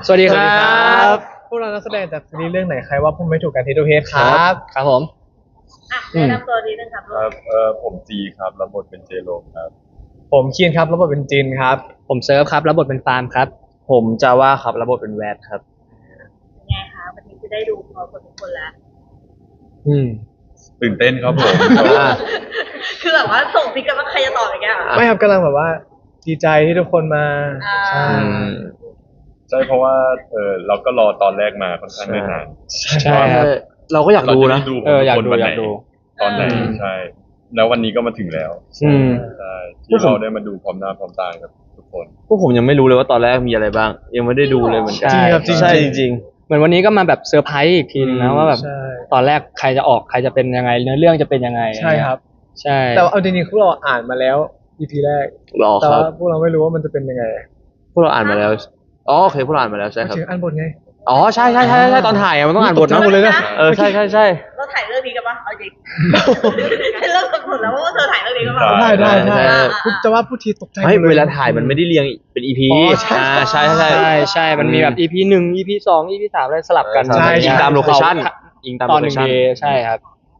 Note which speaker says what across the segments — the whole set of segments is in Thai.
Speaker 1: สวัสดีครับ
Speaker 2: พวกเรานักแสดงจากซีรีส์เรื่องไหนใครว่าผมไม่ถูกกันที่ดูเฮดครับ
Speaker 1: ครับผม
Speaker 3: แนะนำตัวนิดนึงครับลู
Speaker 4: ครับ
Speaker 3: ก
Speaker 4: ผมจีครับรับบทเป็นเจโรมครับ
Speaker 2: ผมคีนครับรับบทเป็นจินครับ
Speaker 1: ผมเซิร์ฟครับรับบทเป็นฟาร์มครับผมจาว่าครับรับบทเป็นแวดครับ
Speaker 3: ยังไงคะวันนี้จะได้ดูพอคนทุกคนแล้ว
Speaker 4: ตื่นเต้นครับผม
Speaker 3: คือแบบว่าส่งพิกกันว่าใครจะตอบอย่างเงี้ยเหรอ
Speaker 2: ไม่ครับกำลังแบบว่าดีใจที่ทุกคนมา
Speaker 3: อ่า
Speaker 2: ใช่
Speaker 4: ใช่เพราะว่าเราก็รอตอนแรกมาค่อนข้างเนิ่นนาน
Speaker 1: ใช่ครับ
Speaker 5: เราก็อยากดูนะ
Speaker 4: เรจได้
Speaker 1: อยาก
Speaker 4: คน
Speaker 1: ดู
Speaker 4: วัน
Speaker 1: อ
Speaker 4: ไหน
Speaker 1: ยากดู
Speaker 4: ตอนไหนใช่ แล้ววันนี้ก็มาถึงแล้ว
Speaker 1: อืม
Speaker 4: ใช่ที่เราได้มาดูพร้อมหน้าพร้อมตากับทุกคน
Speaker 5: พวกผมยังไม่รู้เลยว่าตอนแรกมีอะไรบ้าง ยังไม่ได้ดูเลยเหมือนกั
Speaker 1: ใช่
Speaker 2: จริงครับจริง
Speaker 5: ใช่
Speaker 2: จ
Speaker 5: จ
Speaker 2: ริง
Speaker 5: ริง
Speaker 1: เหมือนวันนี้ก็มาแบบเซอร์ไพรส์อีกทีนึงนะว่าแบบ
Speaker 2: ใช่
Speaker 1: ตอนแรกใครจะออกใครจะเป็นยังไงเนื้อเรื่องจะเป็นยังไง
Speaker 2: ใช่ครับ
Speaker 1: ใช่
Speaker 2: แต่ว่าเอาจริงๆพวกเราอ่านมาแล้ว EP แรก
Speaker 5: ๆรอ
Speaker 2: แต่
Speaker 5: ครั
Speaker 2: ว่า
Speaker 5: บ
Speaker 2: พวกเราไม่รู้ว่ามันจะเป็นยังไง
Speaker 5: พวกเราอ่านมาแล้วอ๋อโอเคพวกเราอ่านมาแล้วใช่ครับ
Speaker 2: ถึงอ่านบทไง
Speaker 5: อ๋อใช่ใช่ใช่ใช่ตอนถ่ายอะมันต้องอ่านบท
Speaker 2: ตกใจหมดเลยนะ
Speaker 5: ใช่ใช่ใช่
Speaker 3: เราถ่ายเรื่องนี้กันปะเอาจริงให้เริ่มกำหนดแล้วว่าเธอถ่ายเรื่องนี้กันปะ
Speaker 2: ได้ได้ได้
Speaker 5: ใช่
Speaker 2: พูดจะว่าพูดทีตกใจหม
Speaker 5: ไม่
Speaker 2: ดย
Speaker 5: เวลาถ่ายมันไม่ได้เรียงเป็น EP
Speaker 2: อ๋อใช่
Speaker 5: ใช่ใช่
Speaker 1: ใช่ใช่มันมีแบบ EP 1 EP 2 EP 3อะไรสลับกัน
Speaker 2: ใช่
Speaker 5: ยิงตามโลเคชั่นยิงตาม
Speaker 1: ตอน
Speaker 5: โล
Speaker 1: ห
Speaker 5: เค
Speaker 1: นึ่ง
Speaker 5: ชั่น
Speaker 1: เดย์ใช่ครับ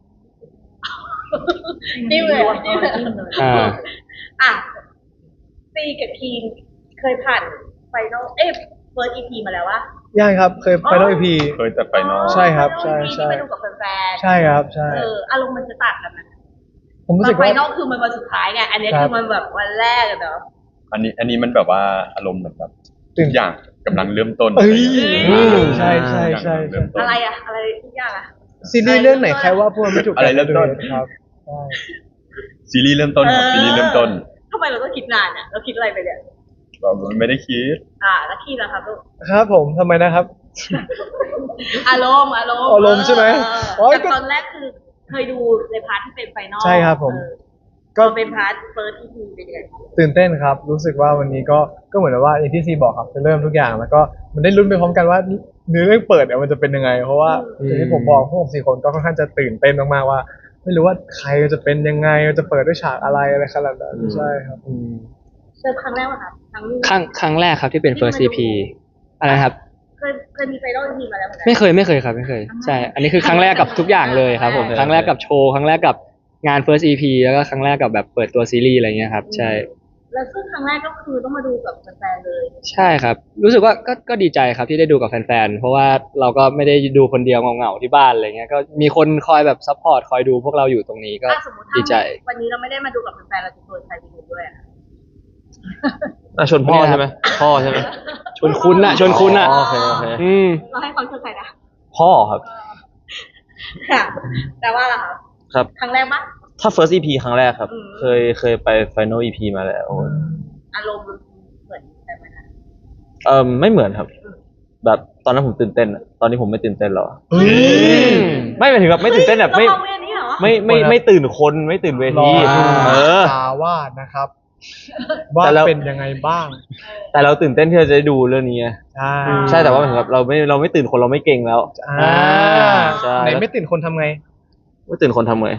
Speaker 3: จิ้มเลยจิ้มเลย
Speaker 1: อ่า
Speaker 3: อ่ะซีกับคีนเคยผ่านไฟนอลเฟิร์สอีพีมาแล้ววะ
Speaker 2: ยังครับเคยไปนอก EP
Speaker 4: เคยแต่ไปนอก
Speaker 2: ใช่ครับ
Speaker 3: ไฟ
Speaker 2: ใช่
Speaker 3: นอล EP
Speaker 2: ใช่
Speaker 3: ที่ไปดูกับแฟนๆ
Speaker 2: ใช่ครับใช่
Speaker 3: อารมณ์มันจะต่างกันนะ
Speaker 2: ผมรู้
Speaker 3: ตอ
Speaker 2: สึ
Speaker 3: น
Speaker 2: ก
Speaker 3: ไฟ
Speaker 2: ว่า
Speaker 3: นอลคือมันวันสุดท้ายไงอันนี้
Speaker 2: ครับ
Speaker 3: คือมันแบบวันแรกอะเนาะ
Speaker 4: อันนี้มันแบบว่าอารมณ์เหมือนแบบ
Speaker 2: ตื่
Speaker 4: ทุ
Speaker 2: น
Speaker 4: กอย่างกำลังเริ่มต้น
Speaker 2: เอ้ย
Speaker 4: อืม
Speaker 2: ใช่ใช่ใช่
Speaker 4: ทุกอย่างกำลังเริ่มต้น
Speaker 3: อะไรอะอะไรทุกอย่างอะ
Speaker 2: ซีรีส์เรื่องไหนใครว่าพวกเราไม่ถูกกัน
Speaker 4: อะไรเริ่มต้น
Speaker 2: ครับใช่
Speaker 4: ซีรีส์เริ่มต้นครับซีรีส์เริ่มต้น
Speaker 3: ทำไมเราต้องคิดนานอะเราคิดอะไรไปเนี่ย
Speaker 4: เราไม่ได้คิด
Speaker 3: แล้วคีนล่ะครับลูก
Speaker 2: ครับผมทำไมนะครับ
Speaker 3: อารมณ์
Speaker 2: อารมณ์ใช่ไหมโอ๊ย
Speaker 3: แต่
Speaker 2: ก็
Speaker 3: ตอนแรกคือเคยดูในพาร์ทที่เป็นไฟนอล
Speaker 2: ใช่ครับผม
Speaker 3: ก็
Speaker 2: ก็
Speaker 3: เป็นพาร์ทเฟิร์สที่คือเป็นยังไง
Speaker 2: ตื่นเต้นครับ รู้สึกว่าวันนี้ก็เหมือนว่าอย่างที่ซีบอกครับจะเริ่มทุกอย่างแล้วก็มันได้ลุ้นไปพร้อมกันว่าเนื้อเรื่องเปิดเนี่ยมันจะเป็นยังไง เพราะว่าอย่างที่ผมบอกพวกผม4 คนก็ค่อนข้างจะตื่นเต้นมากๆว่า ไม่รู้ว่าใครจะเป็นยังไงจะเปิดด้วยฉากอะไรขนาดนั้นใช่ครับ
Speaker 3: เจอครั้งแรกป่ะครับครั้งนี้
Speaker 1: ครั้งแรกครับที่เป็น first EP อะไรนะครับ
Speaker 3: เคยมีไฟนอลทีมาแล้วเหมือนกัน
Speaker 1: ไม่เคยครับไม่เคย ใช่ อันนี้คือครั้งแรกกับทุกอย่างเลยครับผม ครั้งแรกกับโชว์ ครั้งแรกกับงาน first EP แล้วก็ครั้งแรกกับแบบเปิดตัวซีรีส์อะไรเงี้ยครับ ใช่
Speaker 3: แล้วซึ่งครั้งแรกก็คือต้องมาดูกับแฟนๆเลย
Speaker 1: ใช่ครับ รู้สึกว่าก็ดีใจครับที่ได้ดูกับแฟนๆ เพราะว่าเราก็ไม่ได้ดูคนเดียวเหงาๆที่บ้านอะไรเงี้ย ก็มีคนคอยแบบซัพพอร์ตคอยดูพวกเราอยู่ตรงนี้ก็
Speaker 3: ถ้าสมมติ
Speaker 1: ดีใจ
Speaker 3: วันนี้เราไม่ได้มาดูกับแฟนๆเราจะชวนใครไปดูด้วยอะ
Speaker 5: ชวนพ่อใช่ไหมพ่อใช่ไหม
Speaker 1: ชวนคุณน่ะ
Speaker 5: โอเคโอเค
Speaker 1: อืม
Speaker 3: เราให้ความชวนใครนะ
Speaker 5: พ่อครับ
Speaker 3: ค่ะแต่ว่าล่ะคะ
Speaker 5: ครับ
Speaker 3: ครั้งแรกปะ
Speaker 5: ถ้า first EP ครั้งแรกครับ
Speaker 3: อืม
Speaker 5: เคยไป final EP มาแล้ว
Speaker 3: อารมณ์เหมือนกันไหมคะ
Speaker 5: ไม่เหมือนครับ แบบตอนนั้นผมตื่นเต้นอะตอนนี้ผมไม่ตื่นเต้นหรอ
Speaker 2: เฮ้ย
Speaker 5: ไม่หมายถึงแบบไม่ตื่นเต้นแบบไม่
Speaker 3: เราเอาเวรนี้เหรอ
Speaker 5: ไม่ตื่นคนไม่ตื่นเว
Speaker 2: รอ
Speaker 5: ทีเออ
Speaker 2: ตาวาดนะครับ ว่า
Speaker 5: แต่เรา
Speaker 2: เป็นยังไงบ้าง
Speaker 5: แต่เราตื่นเต้นที่เราจะได้ดูเรื่องนี้ไง
Speaker 2: ใช่
Speaker 5: ใช่แต่ว่าหมายถึงแบบเราไม่ตื่นคนเราไม่เก่งแล้ว
Speaker 2: อ่า
Speaker 5: ใช่
Speaker 2: ไหนไม่ตื่นคนทำไง
Speaker 5: ไม่ตื่นคนทำไง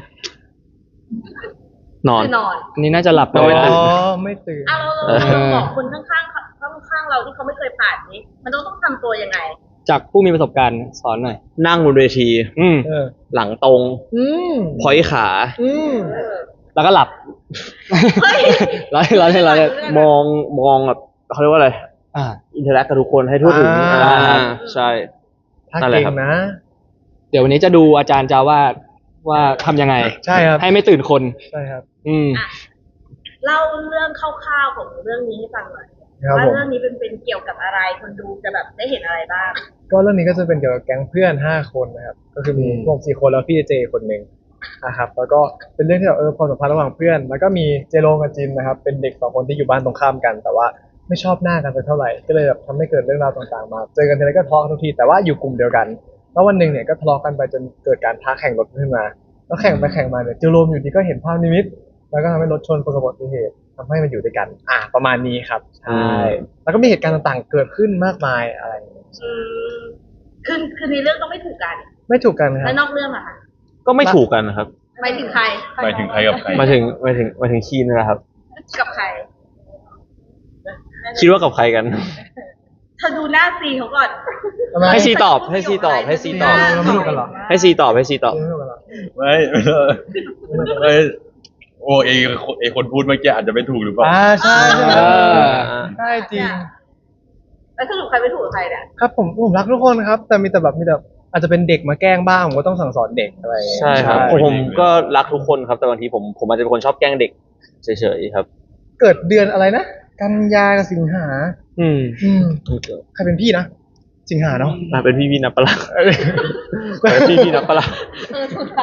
Speaker 5: นอน
Speaker 3: คือนอน
Speaker 1: อันนี้น่าจะหลับไป
Speaker 5: เราไม่
Speaker 1: แล้ว
Speaker 5: ตื่น
Speaker 2: อ๋อไม่ตื่น
Speaker 3: เราบอกคนข้างๆเราที่เขาไม่เคยผ่านนี้ มันต้องทำตัวยังไง
Speaker 1: จากผู้มีประสบการณ์สอนหน่อย
Speaker 5: นั่งบนเวที
Speaker 1: อืม
Speaker 2: เออ
Speaker 5: หลังตรง
Speaker 2: อืม
Speaker 5: พอยขา
Speaker 2: อืม
Speaker 1: แล้วก็หลับ
Speaker 3: เฮ้ย
Speaker 1: เราเล่น
Speaker 5: มองแบบเขาเรียกว่าอะไร
Speaker 1: อ่า
Speaker 5: อินเทอร์แอคกับทุกคนให้ทั่วถึง
Speaker 2: อ่า
Speaker 5: ใช่
Speaker 2: ถ้า
Speaker 5: นั่นแหละ
Speaker 2: เก่ง
Speaker 5: ครับ
Speaker 2: นะ
Speaker 1: เดี๋ยววันนี้จะดูอาจารย์จาว่าทำยังไง
Speaker 2: ใช่ครับ
Speaker 1: ให้ไม่ตื่นคน
Speaker 2: ใช่ครับ
Speaker 1: อืม
Speaker 3: อ่ะเล่าเรื่องคร่าวๆของเรื่องนี้ให้ฟังหน่อย
Speaker 2: ครับ
Speaker 3: ว่า
Speaker 2: ผม
Speaker 3: เรื่องนี้เป็นเกี่ยวกับอะไรคนดูจะแบบได้เห็นอะไรบ้าง
Speaker 2: ก็เรื่องนี้ก็จะเป็นเกี่ยวกับแก๊งเพื่อน5 คนนะครับ ก็คือมีพวก4 คนแล้วพี่เจคนหนึ่งนะครับ แล้วก็เป็นเรื่องที่แบบความสัมพันธ์ระหว่างเพื่อน แล้วก็มีเจโรกับจินนะครับ เป็นเด็ก2 คนที่อยู่บ้านตรงข้ามกัน แต่ว่าไม่ชอบหน้ากันสักเท่าไหร่ ก็เลยแบบทำให้เกิดเรื่องราวต่างๆมา เจอกันทีไรก็ทะเลาะกันทุกที แต่ว่าอยู่กลุ่มเดียวกัน แล้ววันหนึ่งเนี่ยก็ทะเลาะกันไปจนเกิดการท้าแข่งรถขึ้นมา แล้วแข่งไปแข่งมาเนี่ยเจโรมอยู่ดีก็เห็นภาพนิมิต แล้วก็ทำให้รถชนประสบอุบัติเหตุทำให้มันอยู่ด้วยกัน ประมาณนี้ครับ ใช่ แล้วก็มีเหตุการณ์ต่างๆ เกิดขึ้นมากมายอะไรอย่างเงี้ย
Speaker 3: อืมคือในเรื่องก็ไม่ถูกกัน
Speaker 2: ไม่ถูกกันครั
Speaker 3: และ
Speaker 2: บ
Speaker 3: นอกเรื่องอะค่ะ
Speaker 5: ก็ไม่ถูกกันนะครับ
Speaker 3: หมายถึงใคร
Speaker 4: หมายถึงใครกับใคร
Speaker 5: มาถึงคีนนะครับ
Speaker 3: กับใคร
Speaker 5: คิดว่ากับใครกัน
Speaker 3: เธอดูหน้าซีเขาก่อน
Speaker 2: ทำไม
Speaker 1: ให้ซีตอบให้ซีตอบให้ซีตอบ
Speaker 2: เราไม่รู้กันเหรอ
Speaker 1: ให้ซีตอบให้ซีตอบ
Speaker 2: ไม่รู้กันเหรอ
Speaker 4: ไม่ไม่โอ้เอคนพูดเมื่อกี้อาจจะไม่ถูกหรือเปล่า
Speaker 2: ใช่ใช่
Speaker 1: เออ
Speaker 2: ใช่จริง
Speaker 3: แล้วสรุปใครไม่ถูกกับใครเนี่ย
Speaker 2: ครับผมรักทุกคนครับ แต่มีแต่อาจจะเป็นเด็กมาแกล้งบ้างผมก็ต้องสั่งสอนเด็กอะไรอย่างเงี้ย
Speaker 5: ใช่ครับ
Speaker 4: ใช่
Speaker 5: ผมก็รักทุกคนครับแต่บางทีผมอาจจะเป็นคนชอบแกล้งเด็กเฉยๆครับ
Speaker 2: เกิดเดือนอะไรนะกันยากับสิงหา
Speaker 1: อืม
Speaker 2: ใครเป็นพี่นะสิงหาเนาะ
Speaker 5: เป็นพี่นับปะล่ะเป็นพี่นับปะล่ะ
Speaker 3: ถูก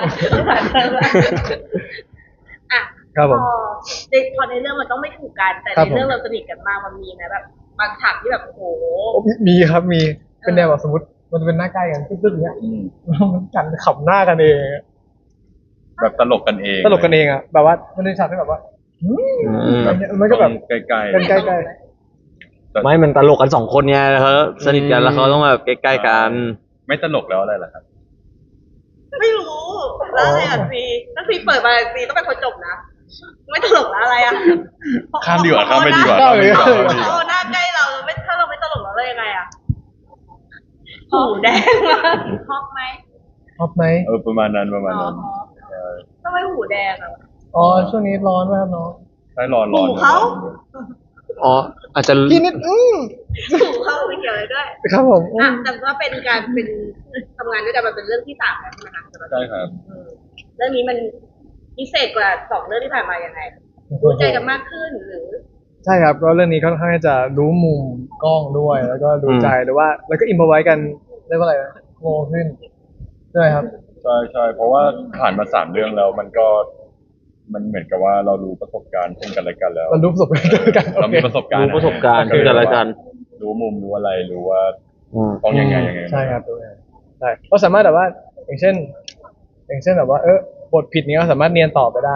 Speaker 3: อ่ะ
Speaker 2: ครับผม
Speaker 3: พอในเรื่องมันต้องไม่ถูกกัน แต่
Speaker 2: ครั
Speaker 3: ใน
Speaker 2: บผม
Speaker 3: เรื่องเราสนิทกันมากมันมีไหมแบบบางฉากที่แบบโอ้โห
Speaker 2: มีครับมีเป็นแนวแบบสมมติมันจะเป็นหน้าใกล้กันตึ๊ดๆอย่างเงี้ย
Speaker 4: อืม
Speaker 2: มันกันขำหน้ากันเอง
Speaker 4: แบบตลกกันเอง
Speaker 2: ตลกกันเองอ่ะแบบว่ามันเป็นฉากที่แบบว่าอะไรเงี้ยมันก็แบบ
Speaker 4: ใกล้ๆ
Speaker 2: กันใกล้
Speaker 5: ไม่มันตลกกัน2 คนไงเขาสนิทกันแล้วเขาต้องแบบใกล้ๆกัน
Speaker 4: ไม่ตลกแล้วอะไรล่ะครับ
Speaker 3: ไม่รู้แล้วอะไรอ่ะซีถ้าซีเปิดมาซีต้องเป็นคนจบนะ ไม่ตลกแล้วอะไรอ่ะ
Speaker 4: ข้ามดีกว่าข้ามไม่ดีกว่า
Speaker 2: ข้ามไป
Speaker 4: ข้ามไม่ดีกว่า
Speaker 3: โอ้หน้าใกล้เราไม่ถ้าเราไม่ตลกแล้วเรายังไงอ่ะหูแดงมากชอบไหม
Speaker 2: ๆชอบไหม
Speaker 4: ประมาณนั้นประมาณ
Speaker 3: อ๋อ
Speaker 4: นั้นใช่
Speaker 3: ทำไมหูแดงอ่ะ
Speaker 2: อ๋อช่วงนี้ร้อนมากเนาะ
Speaker 4: ใช่ร้อน
Speaker 3: หูเขา
Speaker 1: อ๋ออาจจะ
Speaker 2: พี่นิด
Speaker 3: หูเขาไม่เกี่ยวเลยด้วย
Speaker 2: ครับผม
Speaker 3: อ่ะแต่ว่าเป็นการเป็นทำงานด้วยกันมันเป็นเรื่องที่3แล้วใช่ไหมคะ
Speaker 4: ใช่ครับ
Speaker 3: เรื่องนี้มันพิเศษกว่า2เรื่องที่ผ่านมายังไงรู้ใจกันมากขึ้นหรือ
Speaker 2: ใช่ครับก็เรื่องนี้ค่อนข้างจะรู้มุมกล้องด้วย แล้วก็ดูใจหรือว่าแล้วก็อิมพอไว้กันเรียกว่าอะไรนะโง่ขึ้นใช่ครับ
Speaker 4: ใช่ใช่เพราะว่าผ่านมา3เรื่องแล้วมันก็มันเหมือนกับว่าเรารู้ประสบการณ์ซึ่งกันและกันแล้ว
Speaker 2: เรารู้ประสบการณ์ด้วยกัน
Speaker 4: เรามีประสบการณ์
Speaker 5: รู้ประสบการณ์ซึ่งกันและกัน
Speaker 4: รู้มุมรู้อะไรรู้ว่า
Speaker 5: อืม
Speaker 4: ต้องยังไงยังไง
Speaker 2: ใช่ครับใช่ก็สามารถแบบว่า อย่างเช่นแบบว่าบทผิดนี้ก็สามารถเนียนต่อไปได้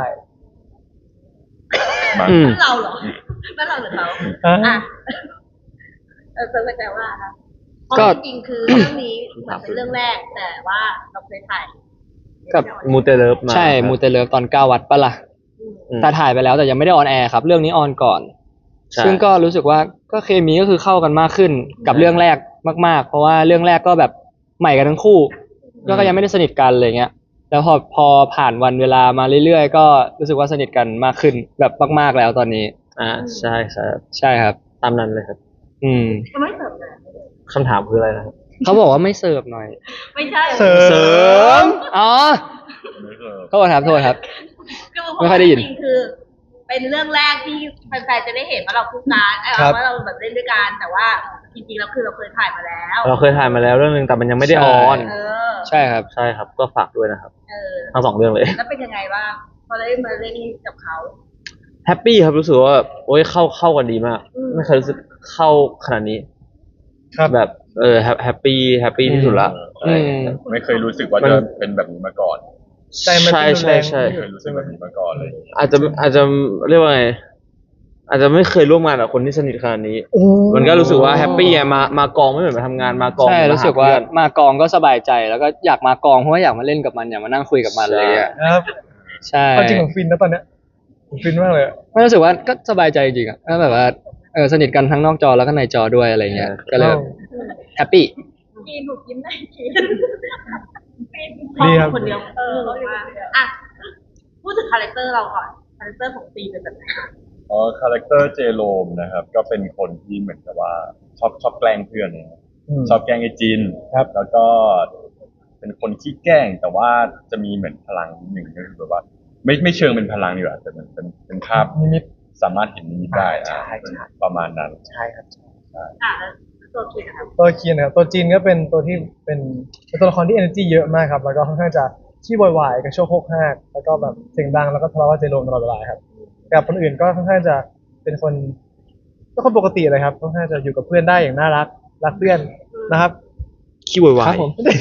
Speaker 4: มา
Speaker 1: อืม
Speaker 3: นั่นเราเหรอนั่นเราหรือเขา
Speaker 2: อ่ะ
Speaker 3: อ่ะเซิร์ฟแต่ว่าค่ะเพ
Speaker 1: ก็
Speaker 3: ราะจริงๆคือเรื่องนี้เหมือนเป็นเรื่องแรก แต่ว่าเราเคยถ่าย
Speaker 1: กับ
Speaker 5: มูเตเลิฟมา
Speaker 1: ใช่
Speaker 5: ครับ
Speaker 1: มูเตเลิฟตอน9 วัดปะล่ะ
Speaker 5: อืม
Speaker 1: แต่ถ่ายไปแล้วแต่ยังไม่ได้ออนแอร์ครับ เรื่องนี้ออนก่อน
Speaker 5: ใช่
Speaker 1: ซึ่งก็รู้สึกว่าก็เคมีก็คือเข้ากันมากขึ้นกับเรื่องแรกมากๆ เพราะว่าเรื่องแรกก็แบบใหม่กันทั้งคู่ก็ยังไม่ได้สนิทกันอะไรเงี้ย แล้วพอผ่านวันเวลามาเรื่อยๆก็รู้สึกว่าสนิทกันมากขึ้นแบบมากๆแล้วตอนนี้
Speaker 5: ใช่ครับ
Speaker 1: ใช่ครับ
Speaker 5: ตามนั้นเลยครับ
Speaker 1: อืม
Speaker 3: ก็ไม่เสริมนะ
Speaker 5: คำถามคืออะไรนะครับ
Speaker 1: เขาบอกว่าไม่เสิร์ฟหน่อย
Speaker 3: ไม่ใช่
Speaker 2: เสริม
Speaker 1: อ๋อ
Speaker 4: ไม่เคย
Speaker 1: โทษครับโทษครับ
Speaker 3: คือ
Speaker 1: ไม่ค่อยได้ยิน
Speaker 3: จริงๆคือ เป็นเรื่องแรกที่แฟนๆจะได้เห็นว่าเราคู่กันว่าเราแบบเล่นด้วยกันแต่ว่าจริงๆแล้วคือเราเคยถ่ายมาแล้ว
Speaker 5: เราเคยถ่ายมาแล้วเรื่องนึงแต่มันยังไม่ได้
Speaker 1: ใช่
Speaker 5: ออน
Speaker 3: เออ
Speaker 1: ใช่ครับ
Speaker 5: ใช่ครับ ก็ฝากด้วยนะครับ
Speaker 3: เออ
Speaker 5: ทั้ง2 เรื่องเลย
Speaker 3: แล้วเป็นยังไงบ้างพอได้มาเล่นกับเขา
Speaker 5: แฮปปี้ครับรู้สึกว่าแบบโอ้ยเข้ากันดีมาก ไม่เคยรู้สึกเข้าขนาดนี้
Speaker 2: ครับ
Speaker 5: แบบแฮปปี้ที่สุดละ
Speaker 1: อืม
Speaker 4: ไม่เคยรู้สึกว่าจะเป็นแบบนี้มาก่อน
Speaker 2: ใจมัน
Speaker 5: ใช่
Speaker 2: เต้นรุนแรง
Speaker 5: ใช่
Speaker 4: ไม่เคยรู้สึกแบบนี้มาก่อนเลย
Speaker 5: อาจจะเรียกว่าไงอาจจะไม่เคยร่วมงานกับคนที่สนิทขนาดนี้
Speaker 2: โอ้
Speaker 5: มันก็รู้สึกว่าแฮปปี้อะมากองไม่เหมือนมาทำงานมากอง
Speaker 1: ใช่
Speaker 5: เหมือน
Speaker 1: รู้สึกว่า
Speaker 5: หเพื่อน
Speaker 1: มากองก็สบายใจแล้วก็อยากมากองเพราะว่าอยากมาเล่นกับมันอยากมานั่งคุยกับมันอะไรอย่างเงี้ย
Speaker 2: ครับ
Speaker 1: ใช่
Speaker 2: เอาจริงผมฟินนะตอนเนี้ยผมฟินมากเลยอะ
Speaker 1: ไม่รู้สึกว่าก็สบายใจจริงๆอ่ะก็แบบว่าสนิทกันทั้งนอกจอแล้วก็ในจอด้วยอะไรเงี้ยก็เลยแฮปปี้
Speaker 3: กินถูกยิ้มได้กิน
Speaker 2: ดีครับ
Speaker 3: คนเดียวว่าอ่ะพูดถึงคาแรคเตอร์เราก่อนคาแรคเตอร์ของตีเป็นแบบไหนคะ
Speaker 4: คาแรคเตอร์เจโรมนะครับ ก็เป็นคนที่เหมือนกับว่าชอบแกล้งเพื่อนนะครับ ชอบแกล้งไอ้จิน
Speaker 2: ครับ
Speaker 4: แล้วก็เป็นคนขี้แกล้ง แต่ว่าจะมีเหมือนพลังนิดหนึ่งก็คือแบบว่า ไม่เชิงเป็นพลังดีกว่าแต่มันเป็นภาพ
Speaker 2: นิมิต
Speaker 4: สามารถเห็นนิมิตได้
Speaker 2: ใช่ใช่
Speaker 4: ประมาณนั้น
Speaker 2: ใช่ครับ
Speaker 3: อ่ะแล้วตัวคิดนะครับ
Speaker 2: ตัวคีนนะครับตัวจีนก็เป็นตัวที่เป็นตัวละครที่ energy เยอะมากครับ แล้วก็ค่อนข้างจะขี้วายๆกระโชกโคกหักแล้วก็แบบเสียงดังแล้วก็ทะเลาะกับเจโรมตลอดเวลาครับกับคนอื่นก็ค่อนข้างจะเป็นคนก็คนปกติเลยครับค่อนข้างจะอยู่กับเพื่อนได้อย่างน่ารักรักเพื่อนนะครับ
Speaker 5: ขี้วาย
Speaker 1: ครับผม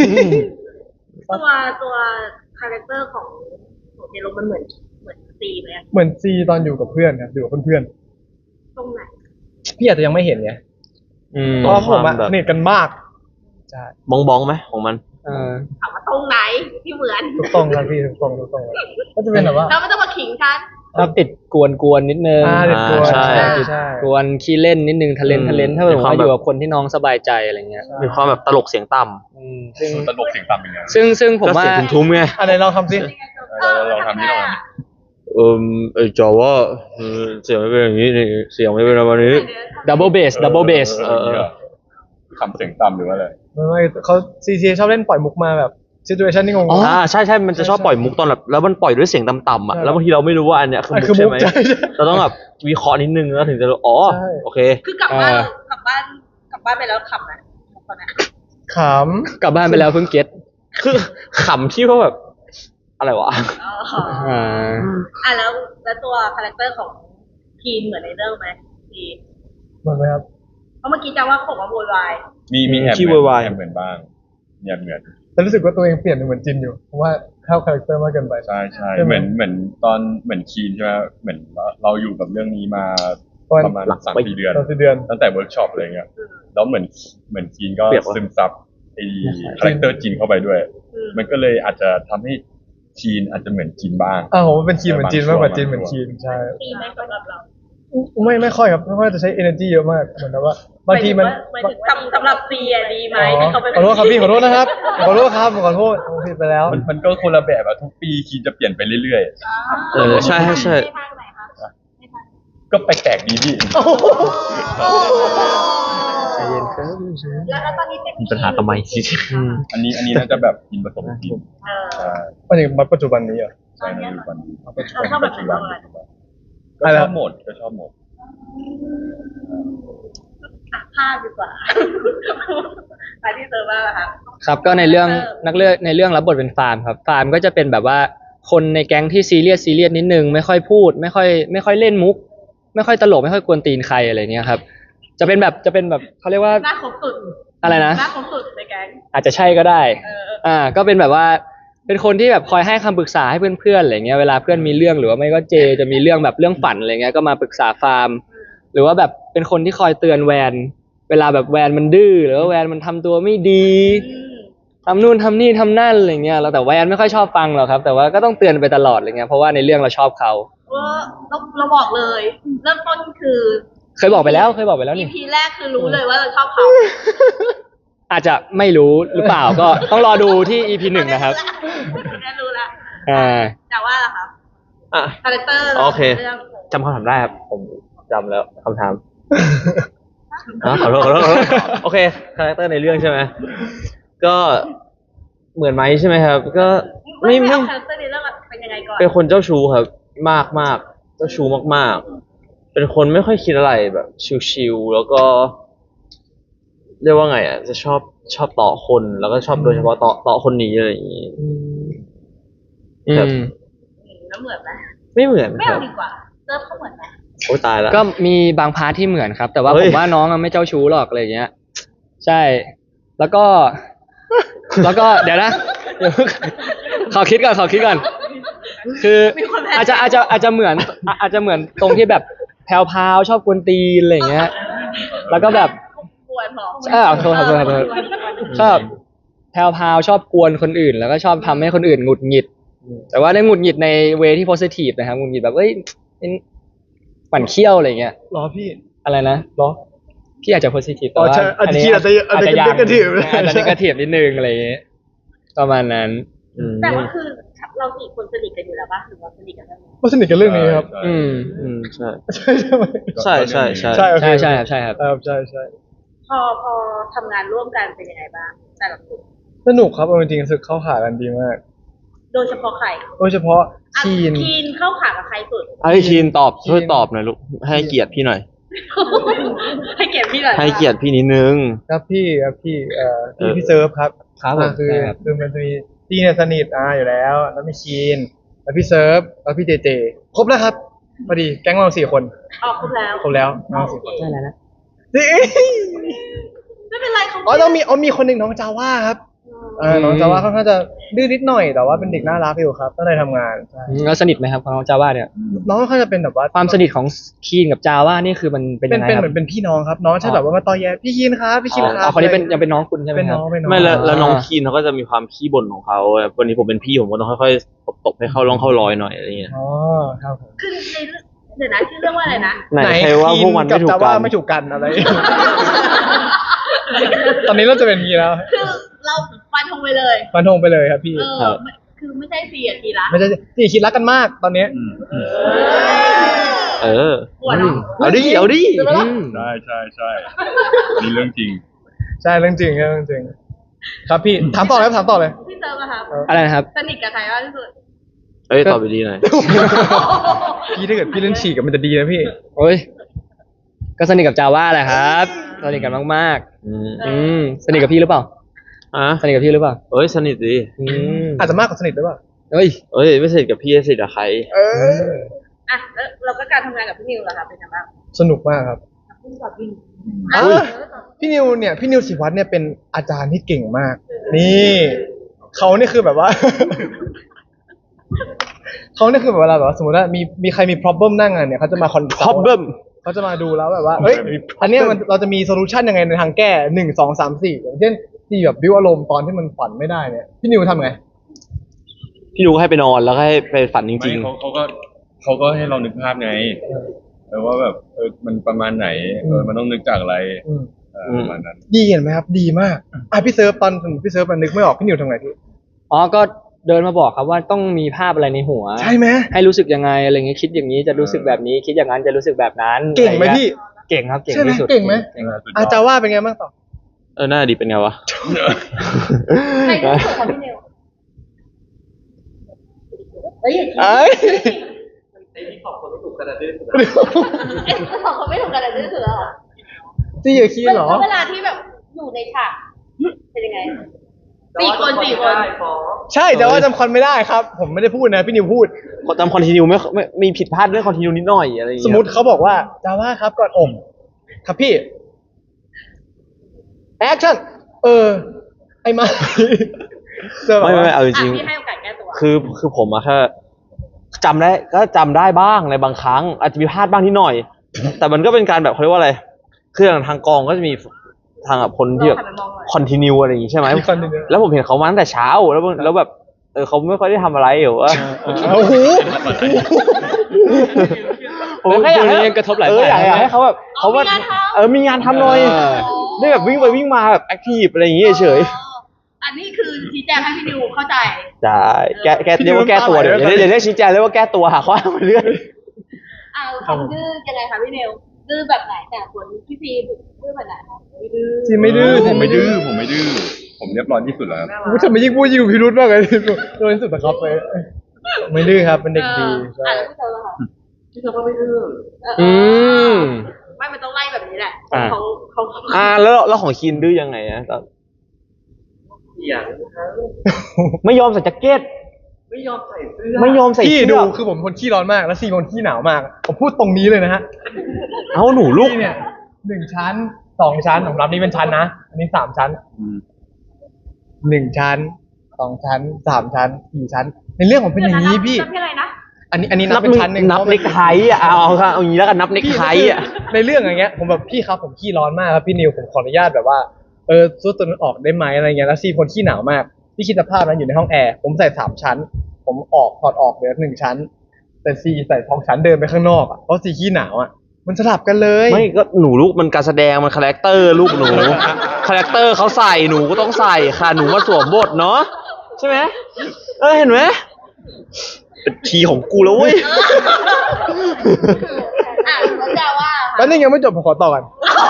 Speaker 3: ตัวคาแรคเตอร์ของเจโรมันเหมือนตีไหมอะ
Speaker 2: เหมือนซีตอนอยู่กับเพื่อนครับอยู่กับเพื่อน
Speaker 3: ตรงไหน
Speaker 2: ๆพี่อาจจะยังไม่เห็นไง
Speaker 1: อืม
Speaker 2: เพราะว่าผมอะ
Speaker 5: แบบ
Speaker 2: สนิทกันมากใช่
Speaker 5: บ้องไหมของมัน
Speaker 3: ถามว่าตรงไหนที่เหมือน
Speaker 2: ถูกต้องครับพี่ถูกต้องครับก็จะเป็นแบบว่า
Speaker 3: เราไม่ต้องมาขิงกัน
Speaker 1: ชอบติดกวนนิดนึง
Speaker 2: เด็กกวน
Speaker 5: ใช่
Speaker 2: ใช่
Speaker 1: กวนขี้เล่นนิดนึงทะเลนถ้าแบบ
Speaker 5: มีความ
Speaker 1: ว่าอยู่กับคนที่น้องสบายใจอะไรเงี้ย
Speaker 5: มีความแบบตลกเสียงต่
Speaker 1: ซึ่ง
Speaker 4: ตลกเสียงต่ำยังไง
Speaker 1: ซึ่ง
Speaker 5: ำ
Speaker 1: ผมว่า
Speaker 5: ก็เสียงทุ้มๆไง
Speaker 2: อันไหนลองทำสิ
Speaker 4: เราทำที่เราท
Speaker 5: จอว่าเสียงไม่เป็นอย่างนี้นี่เสียงไม่เป็นประมาณนี้
Speaker 1: double bass
Speaker 4: ำ
Speaker 1: double bass
Speaker 4: คำเสียงต่ำหรือว่าอะไร
Speaker 2: ไม่เขาซีชอบเล่นปล่อยมุกมาแบบซิทูเอชันที่งง
Speaker 1: อ๋อ
Speaker 5: ใช่มันจะชอบปล่อยมุกตอนแบบแล้วมันปล่อยด้วยเสียงต่ำๆอ่ะ
Speaker 2: ใช่
Speaker 5: แล้วบางทีเราไม่รู้ว่าอันเนี้ยคือ
Speaker 2: อัน
Speaker 5: มุ
Speaker 2: คือก
Speaker 5: ใช่
Speaker 2: มุก
Speaker 5: ไหม
Speaker 2: ใช่
Speaker 5: เราต้องแบบวิเคราะห์นิดนึงแล้วถึงจะรู้อ๋อ
Speaker 2: ใช่
Speaker 5: โอเค
Speaker 3: คือกลับบ้านกลับบ้านไปแล้วขำนะตอนนั้น
Speaker 2: ข
Speaker 1: กลับบ้านไปแล้วเพิ่งเก็ต
Speaker 5: คือขำที่ว่าแบบอะไรวะ
Speaker 3: แล้วตัวคาแรคเตอร์ของทีนเหมือนในเรื่องไหมทีน
Speaker 2: ำเหมือนไหมครับ
Speaker 3: เพราะเมื่อกี้จะว่าเขาบอกว่าโวยวาย
Speaker 4: มีแอบ
Speaker 5: ขี้
Speaker 4: เหมือน
Speaker 5: วาย
Speaker 4: แอบเหมือนบ้างเนี่ยเหมือน
Speaker 2: แต่รู้สึกว่าตัวเองเปลี่ยนเป็นเหมือนจินอยู่เพราะว่าเข้าคาแรคเตอร์มากเกินไป
Speaker 4: ใช่ใช่
Speaker 2: ใช่ไหม
Speaker 4: เหมือนตอนเหมือนคีนใช่ไหมเหมือนเราอยู่กับเรื่องนี้มา
Speaker 2: ประมาณ
Speaker 4: ประมาณ3-4 เดือน
Speaker 2: ตอน4 เดือน
Speaker 4: ตั้งแต่เวิร์กช็อปอะไรเงี้ยแล้วเหมือนคีนก็
Speaker 5: เปรียบวะ
Speaker 4: ซึมซับไอ้คาแรคเตอร์จีนเข้าไปด้วย มันก็เลยอาจจะทำให้คีนอาจจะเหมือนจีนบ้าง
Speaker 2: ผมว่าเป็นคีนเหมือนจีนมากกว่าจีนเหมือนคีนใช่
Speaker 3: ตีไหมสำหรับเรา
Speaker 2: ไม่ค่อยครับไม่ค่อยจะใช้ energy เยอะมากเหมือนกับว่าบางทีมัน
Speaker 3: สำหรับซีอะดีไหม
Speaker 2: อ๋อ
Speaker 3: ที่เขาเป็น
Speaker 2: ขอโทษครับพี่ขอโทษนะครับขอโทษครับขอโทษผมผิดไปแล้ว
Speaker 4: มันก็คนละแบบอะทุกปีคีนจะเปลี่ยนไปเรื่อย
Speaker 5: ใช่ใช่
Speaker 3: ทางไหนคะ
Speaker 4: ๆ ก็แปลกๆดีพี่
Speaker 1: ใจเย็นครับ
Speaker 3: แล้วตอนนี้เป็น
Speaker 5: มีปัญหาทำไม
Speaker 4: อันนี้น่าจะแบบกินผสมจีนใช่
Speaker 2: มันถึงปัจจุบันนี้เหรอ
Speaker 4: ใช่ในปัจจุบัน
Speaker 3: เราชอบแบบไหนบ้างอะ
Speaker 4: ก็ชอบหมดก็ชอบหมด
Speaker 3: ภาพดีกว่ามาที่เซอร์ว่าค่ะ
Speaker 1: ครับก็ในเรื่องในเรื่องรับบทเป็นฟาร์มครับฟาร์มก็จะเป็นแบบว่าคนในแก๊งที่ซีเรียสนิดนึงไม่ค่อยพูดไม่ค่อยเล่นมุก ไม่ค่อยตลกไม่ค่อยกวนตีนใครอะไรเงี้ยครับจะเป็นแบบเขาเรียกว่า
Speaker 3: หน้าครบสุด
Speaker 1: อะไรนะ
Speaker 3: หน้าครบสุดในแก๊ง
Speaker 1: อาจจะใช่ก็ได้ ก็เป็นแบบว่าเป็นคนที่แบบคอยให้คำปรึกษาให้เพื่อนๆอะไรเงี้ยเวลาเพื่อนมีเรื่องหรือว่าไม่ก็เจจะมีเรื่องแบบเรื่องฝันอะไรเงี้ยก็มาปรึกษาฟาร์ม หรือว่าแบบเป็นคนที่คอยเตือนแวนเวลาแบบแวนมันดื้อหรือว่าแวนมันทำตัวไม่ดีทำนู่นทำนี่ทำนั่นอะไรเงี้ยแล้วแต่แวนไม่ค่อยชอบฟังหรอกครับ แต่ว่าก็ต้องเตือนไปตลอดอะไรเงี้ยเพราะว่าในเรื่องเราชอบเขา
Speaker 3: เราบอกเลย เริ่มต้นคือ
Speaker 1: เคยบอกไปแล้วนี่
Speaker 3: EP แรกคือรู้เลยว่าเราชอบเขา
Speaker 1: อาจจะไม่รู้หรือเปล่าก็ต้องรอดูที่ EP 1นะครับ
Speaker 3: ได้รู้ละ แต่ว่าล่ะครับ
Speaker 5: อ่ะ
Speaker 3: คาแรคเตอร์
Speaker 5: โอเค
Speaker 3: เรื่อง
Speaker 5: จำคำถามได้ครับผมจำแล้วคำถามขอโทษโอเคคาแรคเตอร์ในเรื่องใช่ไหมก็เหมือนไหมใช่ไหมครับ ก็ไม่
Speaker 3: เอาคาแรคเตอร์ในเรื่องเป็นยังไงก่อน
Speaker 5: เป็นคนเจ้าชู้ครับ มากเจ้าชู้มากๆ เป็นคนไม่ค่อยคิดอะไรแบบชิวๆแล้วก็เรียกว่าไงอ่ะจะชอบต่อคนแล้วก็ชอบโดยเฉพาะต่อคนนี้อะไรอย่างนี้ ครับ
Speaker 3: แล้วเหมือนไหม
Speaker 5: ไม่เหมือน
Speaker 3: ไม่
Speaker 5: ครั
Speaker 3: เอา
Speaker 5: บ
Speaker 3: ดีกว่าเริ่มเขาเหมือนไหม
Speaker 5: โอ้ยตายแล้ว
Speaker 1: ก็มีบางพาร์ทที่เหมือนครับ แต่ว่า
Speaker 5: เฮ้
Speaker 1: ผ
Speaker 5: ย
Speaker 1: มว่าน้องอะไม่เจ้าชู้หรอกอะไรเงี้ย ใช่ แล้วก็ เดี๋ยวนะเดี๋ยวขอคิดก่อน คืออาจจะเหมือนตรงที่แบบแพรวๆชอบกวนตีนอะไรเงี้ย แล้วก็แบบ
Speaker 3: กวนหรอ
Speaker 1: ขอโทษชอบแพรวๆชอบกวนคนอื่น แล้วก็ชอบทำให้คนอื่นหงุดหงิด แต่ว่าได้หงุดหงิดในเวที่โพสิทีฟนะครับหงุดหงิดแบบเอ้ยปั่นเขี้ยวอะไรเงี้ย
Speaker 2: รอพี่
Speaker 1: อะไรนะ
Speaker 2: รอ
Speaker 1: พี่อาจจะโพสิทีฟแต่
Speaker 2: อ๋อ
Speaker 1: ว่า
Speaker 2: ใช่อาจจะ
Speaker 1: นี้
Speaker 2: คิดอาจจะ
Speaker 1: ยัง
Speaker 2: negative
Speaker 1: อาจจะ negative นิดนึงอะไรอย่างเงี้ยประมาณนั้น
Speaker 3: แต่ว่าคือเราสี่คนสนิทกันอยู่แล้วป่ะหรือว่าสนิทกันแล้ว
Speaker 2: ก็สนิทกันเรื่องนี้ครับ
Speaker 5: ใช่
Speaker 2: ใช่ใช่ไหม
Speaker 5: ใช่
Speaker 2: โอเค
Speaker 1: ใช่ครับ
Speaker 2: ใช่ใช่
Speaker 3: พอทำงานร่วมกันเป็นยังไงบ้างแต่ละคน
Speaker 2: สนุกครับเอาจริงๆรู้สึกเข้าขากันดีมาก
Speaker 3: โดยเฉพาะใคร
Speaker 2: โดยเฉพาะคีน
Speaker 3: คีนเข้าขากับใครสุด
Speaker 5: ให้คีนตอบช่วยตอบหน่อยลูกให้เกียรติพี่หน่อย
Speaker 3: ให้เกียรติพี่หน่อย
Speaker 5: ให้เกียรติพี่นิดนึง
Speaker 2: ครับพี่พี่เซิร์ฟครับ
Speaker 1: ครับผม
Speaker 2: คือมันจะมีพี่เนี่ยสนิทอยู่แล้ว แล้วมีคีนแล้วพี่เซิร์ฟแล้วพี่เจเจครบแล้วครับพอดีแก๊งเรา4 คน
Speaker 3: ออกครบแล้ว
Speaker 2: ครบแล้วน้อง4 คน
Speaker 1: ได้แล้วนะ
Speaker 2: นี่
Speaker 3: ไม่เป็นไรเขา
Speaker 2: ต้องมีคนหนึ่งน้องจาว่าครับน้องจาว่าค่อนข้างจะดื้อนิดหน่อยแต่ว่าเป็นเด็กน่ารักอยู่ครับตั้งใจทำงานใช่
Speaker 1: แล้วสนิทไหมครับของน้องจาว่าเนี่ย
Speaker 2: น้องค่อนข้างจะเป็นแบบว่า
Speaker 1: ความสนิทของคีนกับจาว่านี่คือมันเป็น
Speaker 2: เป็
Speaker 1: ยั
Speaker 2: น
Speaker 1: งไง
Speaker 2: เป็น
Speaker 1: ค
Speaker 2: เห
Speaker 1: รั
Speaker 2: มือนเป็นพี่น้องครับน้องใช่แบบว่ามาตอแยพี่คินครับพี่คินครั
Speaker 1: อ๋
Speaker 2: บ
Speaker 1: อคนนี้เป็นยังเป็นน้องคุณใช่ไหม
Speaker 2: เป็น
Speaker 1: ครั
Speaker 2: น้
Speaker 1: บ
Speaker 2: องเป็นน้อง
Speaker 5: ไม่แล้วน้อง
Speaker 1: อ่า
Speaker 5: คีนเขาก็จะมีความขี้บ่นของเขาวันนี้ผมเป็นพี่ผมก็ต้องค่อยๆตบให้เข้าร่องเข้ารอยหน่อยอะไรเงี้ย
Speaker 2: อ๋อครับผม
Speaker 3: คือในเดี๋ยวนะชื่อเรื่องว่าอะไรนะ
Speaker 5: ไหนใครว่าพวกมันไม่ถูก
Speaker 2: จา
Speaker 5: กั
Speaker 2: ว่าน ไม่ถูกกันอะไร ตอนนี้เราจะเป็นอย่างนี้แล้ว
Speaker 3: คือเราฟันธงไปเลย
Speaker 2: ฟันธงไปเลยครับพี่
Speaker 3: คือไม่ใช่4 นาทีละ
Speaker 2: ไม่ใช่ที่คิดรักกันมากตอนนี้
Speaker 5: เออ
Speaker 3: หัวเนาะ
Speaker 5: เอาดิเอาดิ
Speaker 4: ใช่ใช่ใช่นี่เรื่องจริง
Speaker 2: ใช่เรื่องจริงครับเรื่องจริง ครับพี่ถามต่อเลยครับถามต่อเลย
Speaker 3: พี่เติมอะครับ
Speaker 1: อะไรนะครับ
Speaker 3: สนิทกับใครมากที่สุด
Speaker 5: เอ้ยตอบไปดีหน่อย
Speaker 2: พี่ถ้าเกิดพี่เล่นฉีกกับมันจะดีนะพี่
Speaker 1: โอ้ยก็สนิทกับจาว่าแหละครับสนิทกันมาก
Speaker 5: อืม
Speaker 1: ๆสนิทกับพี่หรือเปล่า
Speaker 5: อ่ะ
Speaker 1: สนิทกับพี่หรือเปล่า
Speaker 5: เอ้ยสนิทดิ
Speaker 2: อาจจะมากกว่าสนิทหรือเปล่า
Speaker 1: เอ้ย
Speaker 5: เอ้ยไม่สนิทกับพี่สนิทกับใคร
Speaker 3: อ่ะแล้วเราก็การทำงานกับพี่นิวเหรอครับเป็นยังไงบ้าง
Speaker 2: สนุกมากครับ
Speaker 3: พี่กับพี่
Speaker 2: อ่ะพี่นิวเนี่ยพี่นิวศิวัตรเนี่ยเป็นอาจารย์ที่เก่งมาก นี่เขานี่คือแบบว่า เขานี่คือแบบเวลาแบบว่าสมมติว่ามีใครมี problem นั่งอ่ะเนี่ยเขาจะมาคอน
Speaker 5: problem
Speaker 2: เขาจะมาดูแล้วแบบว่าเฮ้ยอันเนี้ยมันเราจะมีโซลูชันยังไงในทางแก้1 2 3 4อย่างเช่นที่แบบบิวอารมณ์ตอนที่มันฝันไม่ได้เนี่ยพี่นิวทำไง
Speaker 5: พี่นุก็ให้ไปนอนแล้วก็ให้ไปฝันจ
Speaker 4: ไม่
Speaker 5: ริง
Speaker 4: เขาก็ให้เรานึกภาพไงว่าแบบมันประมาณไหนมันต้องนึกจากอะไร
Speaker 2: อืม
Speaker 4: ประมาณนั้น
Speaker 2: ดีเห็นไหมครับ ดีมากพี่เซิร์ฟตอนพี่เซิร์ฟมันนึกไม่ออกพี่นิวทำไงพี่
Speaker 1: อ๋อก็เดินมาบอกครับว่าต้องมีภาพอะไรในหัว
Speaker 2: ใช่ไหม
Speaker 1: ให้รู้สึกยังไงอะไรเงี้ยคิดอย่างนี้จะรู้สึกแบบนี้ คิดอย่างนั้นจะรู้สึกแบบนั้น
Speaker 2: เก่งไหม
Speaker 1: อะร
Speaker 2: พี่
Speaker 1: งี้ยเก่งครับเก่ง
Speaker 2: ใช่ไหม
Speaker 1: ที่สุด
Speaker 2: เก่งไหม
Speaker 1: เก่ง
Speaker 2: อาจารย์ว่าเป็นไงบ้างต่อ
Speaker 5: ๆ หน้าดีเป็นไงวะ
Speaker 3: ใครที่สุดของพี่นิวเฮ้ย
Speaker 2: เอ้ย
Speaker 3: สองคนไม่ถูกกันเลยที่สุดแล้วเหรอ
Speaker 2: จี้อย่าขี้เหรอ
Speaker 3: แล้วเวลาที่แบบอยู่ในฉากเป็นยังไง4 คน
Speaker 2: ใช่แต่ว่าจำคอนไม่ได้ครับ ผมไม่ได้พูดนะพี่นิวพูด
Speaker 5: จำคอนติเนียไม่มีผิดพลาดเรื่องคอนติเนียนิดหน่อยอะไรอย่าง
Speaker 2: สม
Speaker 5: เงี้ย
Speaker 2: มติเขาบอกว่าจาว่าครับก่อนอมครับพี่แอคชั่นไอ้มาเจอแบบ
Speaker 5: ไม่
Speaker 2: ว่า
Speaker 5: เอาจริง
Speaker 3: พี่ให้โอกาสแก้ตัว
Speaker 5: ๆคือผมอะแค่จำได้บ้างในบางครั้ง อาจจะมีพลาดบ้างนิดหน่อย แต่มันก็เป็นการแบบเขาเรียกว่าอะไรคืออย่างทางกองก็จะมีทางคนที่แบบคอนติเนียอะไรอย่างงี้ใช่ไหม
Speaker 2: มี continue
Speaker 5: แล้วผมเห็นเขามาตั้งแต่เช้าแล้วแบบเขาไม่ค่อยได้ทำอะไรหรือว่า
Speaker 2: โอ้โห
Speaker 5: ผมแค่อยากให้
Speaker 1: ช่วงนี้กระทบหลาย
Speaker 5: อยาก
Speaker 1: ฝ่าย
Speaker 5: ให้เขาแบบเขาว่ามีงานทำหน่อย ได้แบบวิ่งไปวิ่งมาแบบแอคทีฟอะไรอย่างเงี้ยเฉย
Speaker 3: อันนี้คือชี้แจงให้พี่นิวเข้าใจ
Speaker 5: ๆใช่แก้เรียกว่าแก้ตัวเดี๋ยวเรียกชี้แจงเรียกว่าแก้ตัวหาข้ออ้างไปเรื่อย
Speaker 3: ความดื้อยังไงคะพี่นิวดื้อแบบไหนแต่ส่วนพี่พีดื้อแบบไหนคะไม่ดื้อ
Speaker 2: จีไม่ดื้อ
Speaker 4: ผมไม่ดื้อผมเรียบร้อยที่สุดแล้วครับ
Speaker 2: ผมจะไม่ยิ่งพูดยิ่งดูพิรุธมากเลยโดนที่สุดนะครับไปไม่ดื้อครับเป็นเด็กดีใช่
Speaker 3: แล้วพี่เธอล่ะคะพี่เธอก็ไม่ดื้อ
Speaker 1: อืม
Speaker 3: ไม่มันต้องไล่แบบนี้แหละ
Speaker 1: อ่า
Speaker 3: เขา
Speaker 5: แล้วของคินดื้อยังไงอะไม่ยอมใส่แจ็คเก็ตไม่ยอมใส่เสื้
Speaker 2: พี่
Speaker 5: อ
Speaker 2: ดูคือผมคนขี้ร้อนมากแล้วซีคนขี้หนาวมาก ผมพูดตรงนี้เลยนะฮะ
Speaker 5: เอาหนูลูก
Speaker 2: พี่เนี่ย1 ชั้น 2 ชั้นผมรับนี่เป็นชั้นนะอันนี้3 ชั้น 1 ชั้น 2 ชั้น 3 ชั้น 4 ชั้น ในเรื่องผมเป็นอย่างนี้พี่
Speaker 3: นับที่อะไรนะ
Speaker 2: อันนี้นับเป็นชั้นหนึ่ง
Speaker 5: นับเน็กไทอะเอาอย่างนี้แล้วกันนับเน็กไทอะ
Speaker 2: ในเรื่องอย่างเงี้ยผมแบบพี่ครับผมขี้ร้อนมากครับพี่นิวผมขออนุญาตแบบว่าสู้ตัวนั้นออกได้ไหมอะไรเงี้ยแล้วซีคนขี้หนาวมากพี่คิดสภาพนั้นอยู่ในห้องแอร์ผมใส่3 ชั้น ผมถอดออกเหลือ1 ชั้น แต่ซีใส่2 ชั้นเดินไปข้างนอกอ่ะเพราะซีขี้หนาวอ่ะมันสลับกันเลย
Speaker 5: ไม่ก็หนูลูกมันการแสดงมันคาแรคเตอร์ลูกหนูคาแรคเตอร์เขาใส่หนูก็ต้องใส่ค่ะหนูมาสวมบทเนาะใช่ไหมเห็นไหมเป็นทีของกูแล้วเว้ย
Speaker 3: แล้วจะว่า
Speaker 2: แล้วนี่ยังไม่จบผมขอต่อกัน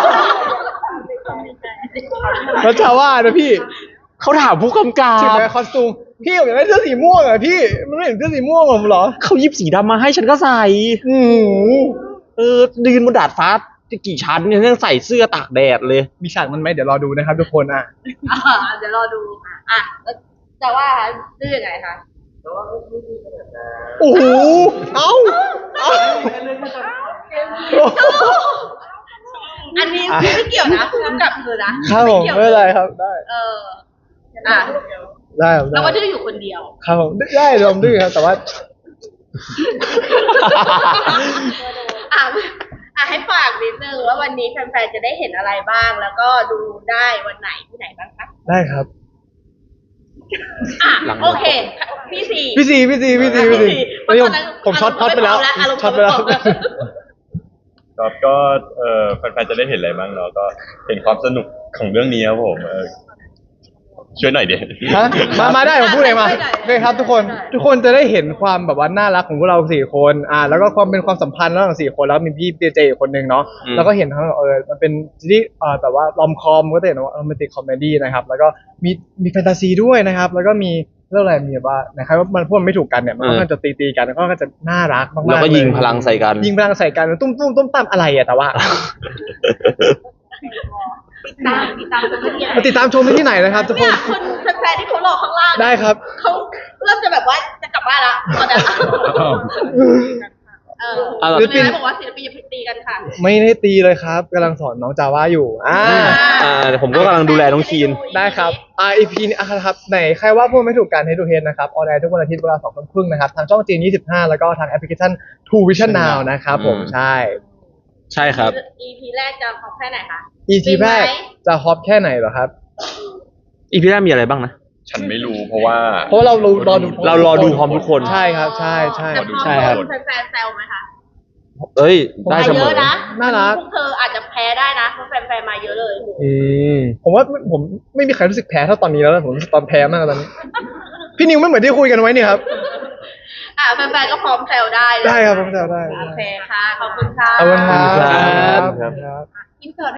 Speaker 2: แล้วจะว่านะพี่
Speaker 5: เขาถามผู้กำกั
Speaker 2: ถึง
Speaker 5: บ
Speaker 2: แม้คอสตูมพี่ผมอยากได้เสื้อสีม่วงอ่ะพี่มันไม่เห็นเสื้อสีม่วงผมเหรอ
Speaker 5: เขายิบสีดำมาให้ฉันก็ใส่
Speaker 2: อืม
Speaker 5: ยืนบนดาดฟ้าจะกี่ชั้นเนี่ยยังใส่เสื้อตากแดดเลย
Speaker 2: มีฉากมันไหมเดี๋ยวรอดูนะครับทุกคนอ่ะ
Speaker 3: เดี๋ยวรอดูแล้วจะว่าดื้อยังไงคะ
Speaker 2: โอ้โหเอ้า
Speaker 3: อันนี้ไม่เกี่ยวนะกำกับเธอนะครับ
Speaker 2: ผมไม่เป็นไรครับได้
Speaker 3: อ่ะ
Speaker 2: ได้ครับ
Speaker 3: เราก็
Speaker 2: ได้
Speaker 3: ดื้ออยู่คนเดียว
Speaker 2: ครับผมได้ยอมดื้อครับแต่ว่า
Speaker 3: อ่ะให้ฝากนิดนึงว่าวันนี้แฟนๆจะได้เห็นอะไรบ้าง แล้วก็ดูได้วันไหนที่ไหนบ้างคะ
Speaker 2: ได้ครับ
Speaker 3: อ่ะโอเคพี่สี่
Speaker 2: พี่ซีเฮ้ยผมช็อตไปแล้วช็อตไปแล้ว
Speaker 4: ครับก็แฟนๆจะได้เห็นอะไรบ้างเนาะก็เห็นความสนุกของเรื่องนี้ครับผมช่วยหน่อยเดียว
Speaker 2: ฮะมาได้ผมพูดเองมาโอเคครับทุกคนจะได้เห็นความแบบว่าน่ารักของพวกเราสี่คนแล้วก็ความเป็นความสัมพันธ์ระหว่างสี่คนแล้วมีพี่เจอีกคนนึงเนาะแล้วก็เห็นทั้งมันเป็นซีรีส์แบบว่ารอมคอมก็จะเห็นว่าโรแมนติกคอมเมดี้นะครับแล้วก็มีแฟนตาซีด้วยนะครับแล้วก็มีเรื่องอะไรมีแบบว่านะครับว่ามันพวกมันไม่ถูกกันเนี่ยมันก็จะตีกันแล้วก็จะน่ารักมากๆ
Speaker 5: แล้วก็ยิงพลังใส่กัน
Speaker 2: ยิงพลังใส่กันตุ้มตามอะไรแต่ว่า
Speaker 3: ติดตามกันที่
Speaker 2: มาติดตามชมได้ที่ไหนนะครับทุกค
Speaker 3: เนี่ย
Speaker 2: น
Speaker 3: คนแฟนๆที่เขารอข้างล่าง
Speaker 2: ได้ครับ
Speaker 3: เขาเริ่มจะแบบว่าจะกลับบ้านละตอนนั้นศิลปินบอกว่าศิลปินอย่าไปตีกันค่ะ
Speaker 2: ไม่ได้ตีเลยครับกำลังสอนน้องจาว่าอยู่
Speaker 5: เดี๋ยวผมก็กำลังดูแลน้องคีน
Speaker 2: ได้ครับEP นี้ครับไหนใครว่าพูดไม่ถูกกันให้ดูเฮดนะครับออนแอร์ทุกวันอาทิตย์เวลา 20:30 นนะครับทางช่องจีน25แล้วก็ทางแอปพลิเคชัน True Vision Now นะครับผมใช่
Speaker 5: ใช่ครับ
Speaker 3: EP แรกจะพอแค่ไหนคะ
Speaker 2: EP แรกจะฮอปแค่ไหนเหรอครับ
Speaker 5: อีพีแรกมีอะไรบ้างนะ
Speaker 4: ฉันไม่รู้เพราะว่า
Speaker 2: เพราะเรารอดู
Speaker 5: เรารอดูพร้อมทุกคน
Speaker 2: ใช่ครับใช่
Speaker 3: แต่พอ
Speaker 1: ใช่ครับ
Speaker 3: โดนแฟนๆแซวไหมคะ
Speaker 5: เอ้ย ได้เส
Speaker 3: เย
Speaker 5: มอ
Speaker 3: อะนะ
Speaker 2: น่ารัก
Speaker 3: พวกเธออาจจะแพ้ได้นะเพราะแฟนๆมาเยอะเลย
Speaker 2: ผมว่าผมไม่มีใครรู้สึกแพ้เท่าตอนนี้แล้วนะผมรู้สึกตอนแพ้มากตอนนี้ พี่นิวไม่เหมือนที่คุยกันไว้นี่ครับ
Speaker 3: แฟนๆก็พร้อมแซวได้เลย
Speaker 2: ได้ครับผมแซวได้
Speaker 3: โอเคค่ะ ขอบคุณค่ะ
Speaker 2: ขอบคุณครับ
Speaker 5: ครับ
Speaker 3: อินเสิร์ต